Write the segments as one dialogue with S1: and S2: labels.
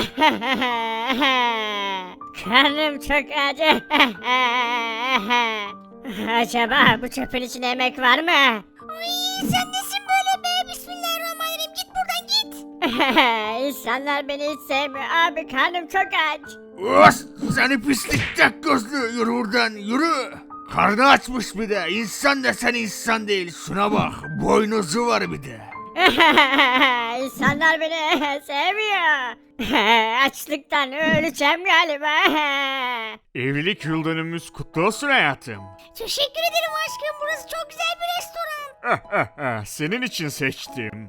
S1: Karnım çok acı. Acaba bu çöpün içinde yemek var mı?
S2: Ay sen nesin böyle be? Bismillahirrahmanirrahim. Git buradan git.
S1: İnsanlar beni hiç sevmiyor. Abi karnım çok aç.
S3: Os, seni pislik tek gözlü, yürü buradan yürü. Karnı açmış bir de, insan desen insan değil, şuna bak, boynuzu var bir de.
S1: İnsanlar beni sevmiyor. Açlıktan öleceğim galiba.
S3: Evlilik yıl dönümümüz kutlu olsun hayatım.
S2: Teşekkür ederim aşkım. Burası çok güzel bir restoran.
S3: Senin için seçtim.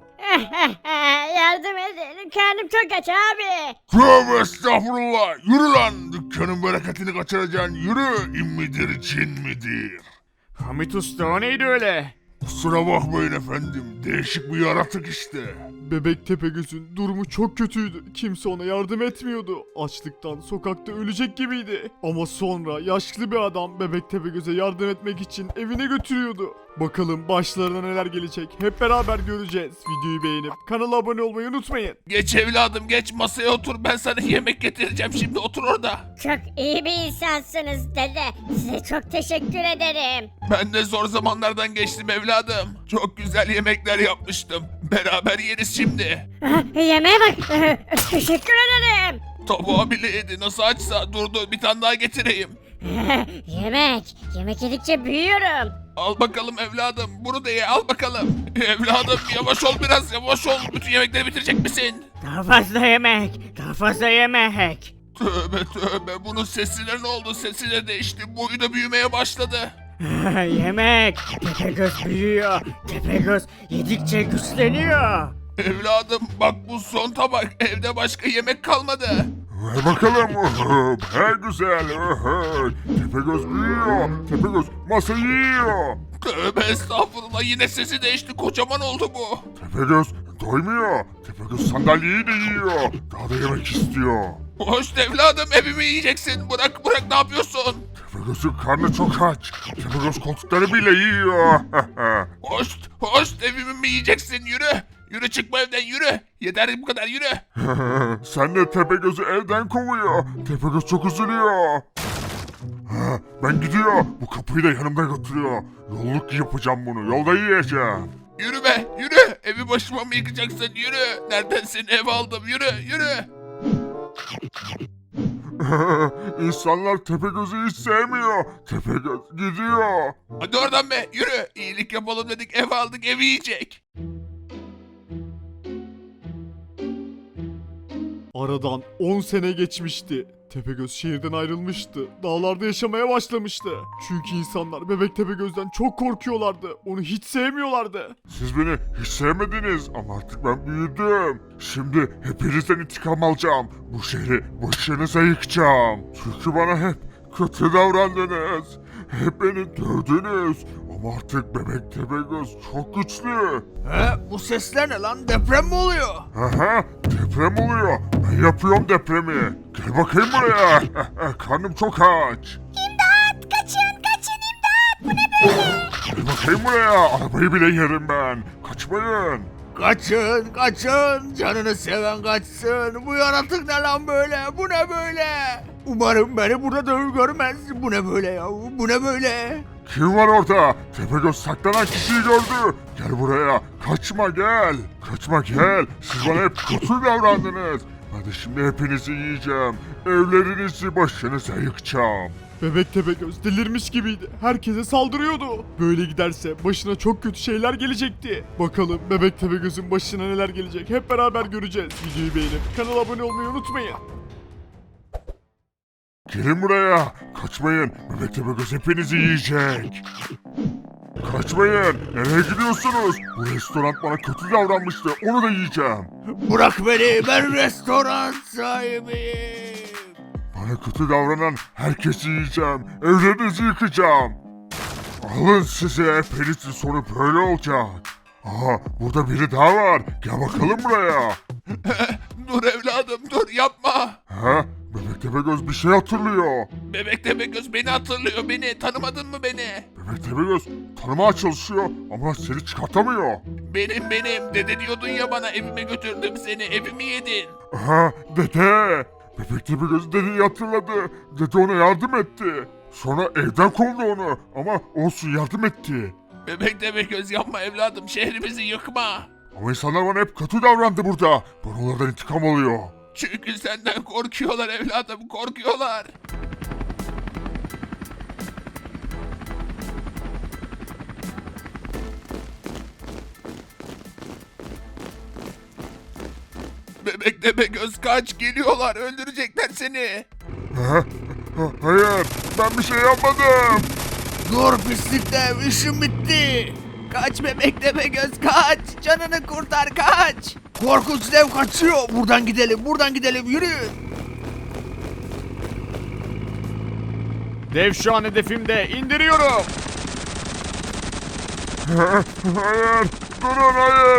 S1: Yardım edin. Karnım çok aç abi.
S3: Tövbe estağfurullah, yürü lan, dükkanın bereketini kaçıracaksın, yürü, in midir cin midir? Hamit Usta o neydi öyle? Kusura bakmayın efendim, değişik bir yaratık işte.
S4: Bebek Tepegöz'ün durumu çok kötüydü. Kimse ona yardım etmiyordu. Açlıktan sokakta ölecek gibiydi. Ama sonra yaşlı bir adam Bebek Tepegöz'e yardım etmek için evine götürüyordu. Bakalım başlarına neler gelecek hep beraber göreceğiz. Videoyu beğenip kanala abone olmayı unutmayın.
S5: Geç evladım geç masaya otur ben sana yemek getireceğim şimdi otur orada.
S1: Çok iyi bir insansınız dede. Size çok teşekkür ederim.
S5: Ben de zor zamanlardan geçtim evladım. Çok güzel yemekler yapmıştım. Beraber yeriz şimdi.
S1: Yemeğe bak. Teşekkür ederim.
S5: Tabağı bile yedi nasıl açsa durdu bir tane daha getireyim.
S1: Yemek yedikçe büyüyorum.
S5: Al bakalım evladım bunu da ye al bakalım. Evladım yavaş ol biraz yavaş ol. Bütün yemekleri bitirecek misin?
S3: Daha fazla yemek, daha fazla yemek.
S5: Tövbe tövbe bunun sesine ne oldu sesi de değişti boyu da büyümeye başladı.
S3: Yemek, Tepegöz büyüyor, Tepegöz yedikçe güçleniyor.
S5: Evladım bak bu son tabak evde başka yemek kalmadı.
S6: Ver bakalım. He güzel. Tepegöz büyüyor. Tepegöz masayı yiyor.
S5: Tövbe estağfurullah yine sesi değişti kocaman oldu bu.
S6: Tepegöz doymuyor. Tepegöz sandalyeyi de yiyor. Daha da yemek istiyor.
S5: Hoş evladım evimi yiyeceksin bırak bırak ne yapıyorsun?
S6: Tepegöz'ün karnı çok aç. Tepegöz koltukları bile yiyor.
S5: Hoş evimi mi yiyeceksin yürü. Yürü çıkma evden yürü. Yeter bu kadar yürü.
S6: Sen de Tepegöz'ü evden kovuyor. Tepegöz çok üzülüyor. Ben gidiyor. Bu kapıyı da yanımda götürüyor. Yolluk yapacağım bunu. Yolda yiyeceğim.
S5: Yürü be yürü. Evi başıma mı yıkacaksın yürü. Nereden seni ev aldım yürü yürü.
S6: İnsanlar Tepegöz'ü hiç sevmiyor. Tepegöz gidiyor.
S5: Hadi oradan be yürü. İyilik yapalım dedik ev aldık evi yiyecek.
S4: Aradan 10 sene geçmişti. Tepegöz şehirden ayrılmıştı. Dağlarda yaşamaya başlamıştı. Çünkü insanlar Bebek Tepegöz'den çok korkuyorlardı. Onu hiç sevmiyorlardı.
S6: Siz beni hiç sevmediniz ama artık ben büyüdüm. Şimdi hepinizden intikam alacağım. Bu şehri başınıza yıkacağım. Çünkü bana hep kötü davrandınız. Hep beni dövdünüz. Ama artık Bebek Tepegöz çok güçlü.
S3: Bu sesler ne lan, deprem mi oluyor?
S6: Aha, deprem oluyor. Ben yapıyorum depremi. Gel bakayım buraya. Karnım çok aç.
S2: İmdat! Kaçın imdat! Bu ne böyle?
S6: Gel bakayım buraya. Arabayı bile yerim ben. Kaçmayın.
S3: Kaçın, kaçın, canını seven kaçsın. Bu yaratık ne lan böyle, bu ne böyle? Umarım beni burada dövüp görmez. Bu ne böyle ya, bu ne böyle?
S6: Kim var orada? Tepegöz saklanan kişiyi gördü. Gel buraya. Kaçma gel. Kaçma gel. Siz bana hep kötü davrandınız. Hadi şimdi hepinizi yiyeceğim. Evlerinizi başınıza yıkacağım.
S4: Bebek Tepegöz delirmiş gibiydi. Herkese saldırıyordu. Böyle giderse başına çok kötü şeyler gelecekti. Bakalım Bebek Tepegöz'ün başına neler gelecek hep beraber göreceğiz. Videoyu beğenip kanala abone olmayı unutmayın.
S6: Gelin buraya. Kaçmayın. Bebek Tepegöz hepinizi yiyecek. Kaçmayın. Nereye gidiyorsunuz? Bu restoran bana kötü davranmıştı. Onu da yiyeceğim.
S3: Bırak beni, ben restoran sahibiyim.
S6: Bana kötü davranan herkesi yiyeceğim. Evlerinizi yıkacağım. Alın size. Hepinizin sonu böyle olacak. Aha, burada biri daha var. Gel bakalım buraya.
S5: Dur evladım dur yapma.
S6: Ha? Bebek Tepegöz bir şey hatırlıyor.
S5: Bebek Tepegöz beni hatırlıyor beni. Tanımadın mı beni?
S6: Bebek Tepegöz tanımaya çalışıyor ama seni çıkartamıyor.
S5: Benim. Dede diyordun ya bana, evime götürdüm seni. Evimi yedin.
S6: Aha dede. Bebek Tepegöz dedeyi hatırladı. Dede ona yardım etti. Sonra evden kovdu onu ama olsun yardım etti.
S5: Bebek Tepegöz yapma evladım. Şehrimizi yıkma.
S6: Ama insanlar bana hep kötü davrandı burada. Ben onlardan intikam alıyor.
S5: Çünkü senden korkuyorlar evladım. Korkuyorlar. Bebek Tepegöz kaç, geliyorlar, öldürecekler seni.
S6: Hayır ben bir şey yapmadım.
S7: Dur pislik dev, işim bitti. Kaç bebek Tepegöz kaç. Canını kurtar kaç. Korkunç dev kaçıyor. Buradan gidelim yürüyün.
S4: Dev şu an hedefimde. İndiriyorum.
S6: Hayır durun hayır.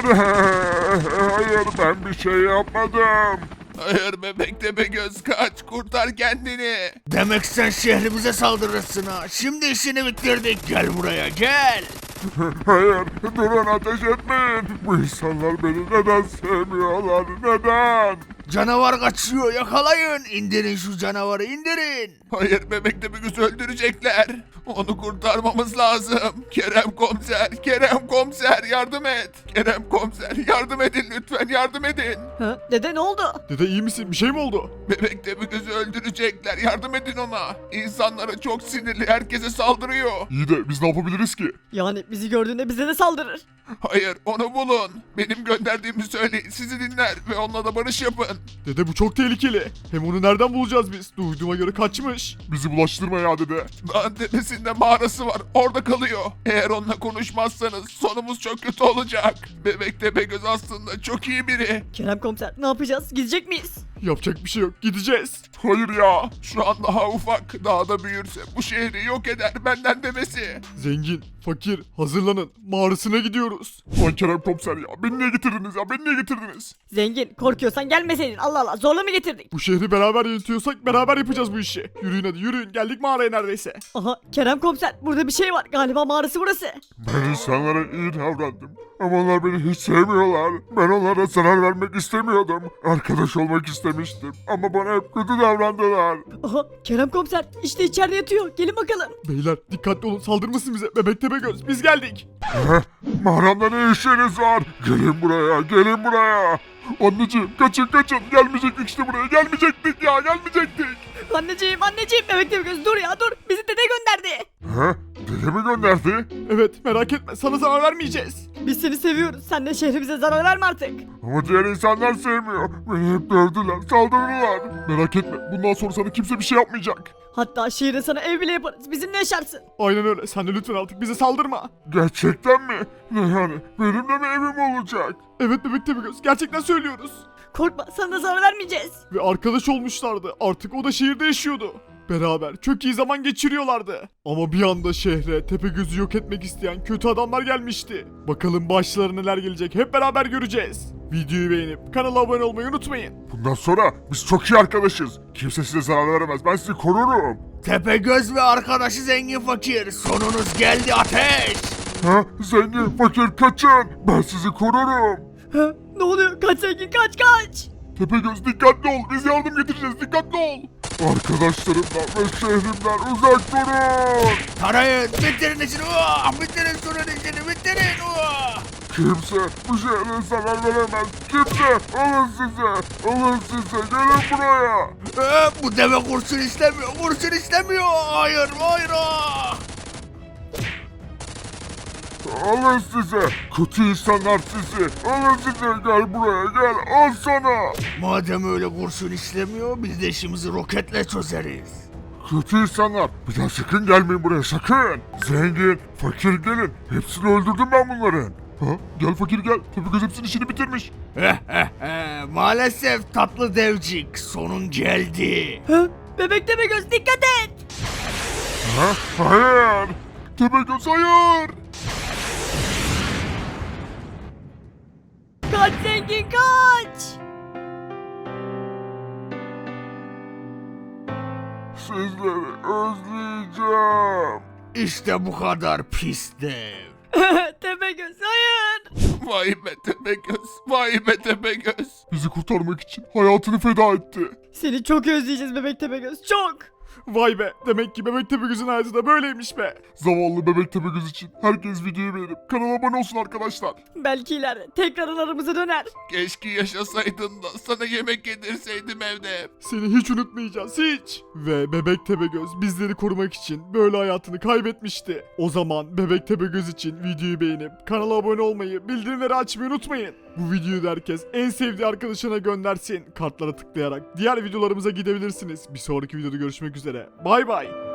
S6: Hayır ben bir şey yapmadım.
S5: Hayır bebek Tepegöz kaç, kurtar kendini.
S7: Demek sen şehrimize saldırırsın ha. Şimdi işini bitirdik. Gel buraya gel.
S6: Hayır durun ateş etmeyin. Bu insanlar beni neden sevmiyorlar neden?
S7: Canavar kaçıyor, yakalayın. İndirin şu canavarı, indirin.
S5: Hayır bebek Tepegöz'ü öldürecekler. Onu kurtarmamız lazım. Kerem komiser yardım et. Kerem komiser yardım edin lütfen, yardım edin.
S2: Ha, dede ne oldu?
S4: Dede iyi misin? Bir şey mi oldu?
S5: Bebek Tepegöz'ü öldürecekler, yardım edin ona. İnsanlara çok sinirli, herkese saldırıyor.
S6: İyi de biz ne yapabiliriz ki?
S2: Yani bizi gördüğünde bize de saldırır.
S5: Hayır onu bulun. Benim gönderdiğimi söyleyin, sizi dinler ve onunla da barış yapın.
S4: Dede bu çok tehlikeli. Hem onu nereden bulacağız biz? Duyduğuma göre kaçmış.
S6: Bizi bulaştırma ya dede.
S5: Dağın tepesinde mağarası var, orada kalıyor. Eğer onunla konuşmazsanız sonumuz çok kötü olacak. Bebek Tepegöz aslında çok iyi biri.
S2: Kerem komiser ne yapacağız? Gidecek miyiz?
S4: Yapacak bir şey yok. Gideceğiz.
S6: Hayır ya.
S5: Şu an daha ufak, daha da büyürse bu şehri yok eder, benden demesi.
S4: Zengin, fakir, hazırlanın. Mağarasına gidiyoruz.
S6: Lan Kerem komiser ya. Beni niye getirdiniz ya? Beni niye getirdiniz?
S2: Zengin korkuyorsan gelmeseydin. Allah Allah zorla mı getirdik?
S4: Bu şehri beraber yönetiyorsak beraber yapacağız bu işi. Yürüyün hadi yürüyün. Geldik mağaraya neredeyse.
S2: Aha Kerem komiser burada bir şey var. Galiba mağarası burası.
S6: Ben insanlara iyi davrandım. Ama onlar beni hiç sevmiyorlar. Ben onlara zarar vermek istemiyordum. Arkadaş olmak istemiştim. Ama bana hep kötü davrandılar.
S2: Aha Kerem komiser işte içeride yatıyor. Gelin bakalım.
S4: Beyler dikkatli olun saldırmasın bize. Bebek Tepegöz biz geldik.
S6: Mağaramda ne işiniz var? Gelin buraya, gelin buraya. Anneciğim kaçın. Gelmeyecektik işte buraya. Gelmeyecektik.
S2: Anneciğim bebek Tepegöz dur ya dur. Bizi dede gönderdi.
S6: Dede mi gönderdi?
S4: Evet merak etme sana zarar vermeyeceğiz.
S2: Biz seni seviyoruz. Sen de şehrimize zarar verme artık.
S6: Ama diğer insanlar sevmiyor. Beni hep dövdüler, saldırdılar. Merak etme, bundan sonra sana kimse bir şey yapmayacak.
S2: Hatta şehirde sana ev bile yaparız. Bizimle yaşarsın.
S4: Aynen öyle sen de lütfen artık bize saldırma.
S6: Gerçekten mi? Ne yani? Benim de mi evim olacak?
S4: Evet Bebek Tepegöz gerçekten söylüyoruz.
S2: Korkma sana da zarar vermeyeceğiz.
S4: Ve arkadaş olmuşlardı artık o da şehirde yaşıyordu. Beraber çok iyi zaman geçiriyorlardı. Ama bir anda şehre Tepegöz'ü yok etmek isteyen kötü adamlar gelmişti. Bakalım başlarına neler gelecek hep beraber göreceğiz. Videoyu beğenip kanala abone olmayı unutmayın.
S6: Bundan sonra biz çok iyi arkadaşız. Kimse size zarar veremez. Ben sizi korurum.
S7: Tepegöz ve arkadaşı zengin fakir. Sonunuz geldi ateş.
S6: Zengin, fakir kaçın. Ben sizi korurum.
S2: Ha, ne oluyor? Kaç zengin kaç.
S6: Tepegöz dikkatli ol. Biz yardım getireceğiz. Dikkatli ol. Arkadaşlarımdan ve şehrimden uzak durun.
S7: Tarayın, bitirin işini. Bitirin şunun işini, bitirin.
S6: Kimse bu şehre zarar veremez. Kimse. Alın size. Gelin buraya.
S7: Bu deve kurşun istemiyor. Hayır.
S6: Alın size. Kötü insanlar sizi. Alın size. Gel buraya gel. Al sana.
S7: Madem öyle kurşun istemiyor, biz de işimizi roketle çözeriz.
S6: Kötü insanlar. Bir daha sakın gelmeyin buraya sakın. Zengin, fakir gelin. Hepsini öldürdüm ben bunların. Gel fakir gel. Tepegöz hepsinin işini bitirmiş.
S7: Maalesef tatlı devcik, sonun geldi.
S2: Ha, bebek Tepegöz dikkat et.
S6: Hayır. Tepegöz hayır.
S2: Kaç zengin kaç.
S6: Sizleri özleyeceğim.
S7: İşte bu kadar pis dev.
S2: Tepegöz hayır.
S5: Vay be Tepegöz. Vay be Tepegöz.
S6: Bizi kurtarmak için hayatını feda etti.
S2: Seni çok özleyeceğiz bebek Tepegöz çok.
S4: Vay be, demek ki Bebek Tepegöz'ün hayatı da böyleymiş be.
S6: Zavallı Bebek Tepegöz için herkes videoyu beğenip kanala abone olsun arkadaşlar.
S2: Belki ileride tekrardan aramıza döner.
S5: Keşke yaşasaydın da sana yemek yedirseydim evde.
S4: Seni hiç unutmayacağız, hiç. Ve Bebek Tepegöz bizleri korumak için böyle hayatını kaybetmişti. O zaman Bebek Tepegöz için videoyu beğenip kanala abone olmayı, bildirimleri açmayı unutmayın. Bu videoyu da herkes en sevdiği arkadaşına göndersin. Kartlara tıklayarak diğer videolarımıza gidebilirsiniz. Bir sonraki videoda görüşmek üzere. Bay bay.